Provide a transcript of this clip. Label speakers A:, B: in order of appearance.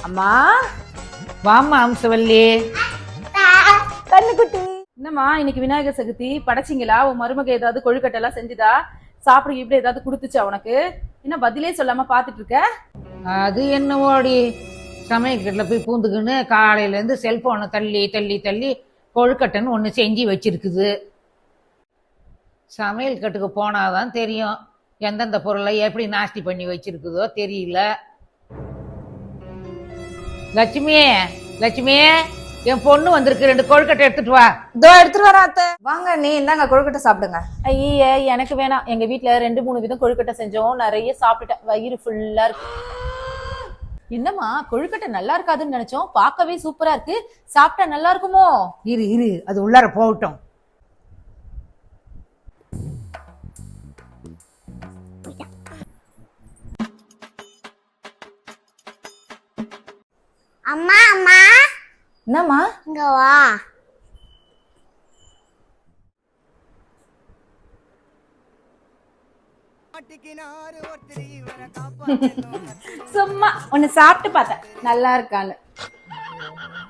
A: அம்மா
B: வாமா அம்சவல்லி.
A: கண்ணுக்குட்டி. என்னம்மா இன்னைக்கு விநாயகர் சதுர்த்தி படைச்சிங்களா? உன் மருமக ஏதாவது கொழுக்கட்டை எல்லாம் செஞ்சுதா? சாப்பிட இப்படி ஏதாவது கொடுத்துச்சா உனக்கு? என்ன பதிலே சொல்லாம பாத்துட்டு இருக்க?
B: அது என்னவோடி, சமையல்கட்டில் போய் பூந்துக்குன்னு காலையிலேருந்து செல்போனை தள்ளி தள்ளி தள்ளி கொழுக்கட்டைன்னு ஒன்று செஞ்சு வச்சிருக்குது. சமையல் கட்டுக்கு போனாதான் தெரியும் எந்தெந்த பொருளை எப்படி நாஸ்தி பண்ணி வச்சிருக்குதோ தெரியல. லட்சுமி, லட்சுமி, என் பொண்ணு வந்திருக்கு, 2 கொழுக்கட்டை எடுத்துட்டு வா.
C: இதோ எடுத்துட்டு வரேன் அத்தை. வாங்க நீ இந்தாங்க கொழுக்கட்டை சாப்பிடுங்க.
A: ஐய எனக்கு வேணாம். எங்க வீட்டுல 2-3 விதம் கொழுக்கட்டை செஞ்சோம், நிறைய சாப்பிட்டுட்டேன், வயிறு ஃபுல்லா இருக்கு. என்னம்மா கொழுக்கட்டை நல்லா இருக்காதுன்னு நினைச்சோம், பார்க்கவே சூப்பரா இருக்கு. சாப்பிட்டா நல்லா இருக்குமோ?
B: இரு இரு, அது உள்ளார போகட்டும்.
D: அம்மா அம்மா
C: என்னம்மா?
D: இங்க வா.
A: சும்மா ஒன்னு சாப்பிட்டு பார்த்தேன் நல்லா இருக்கான்னு.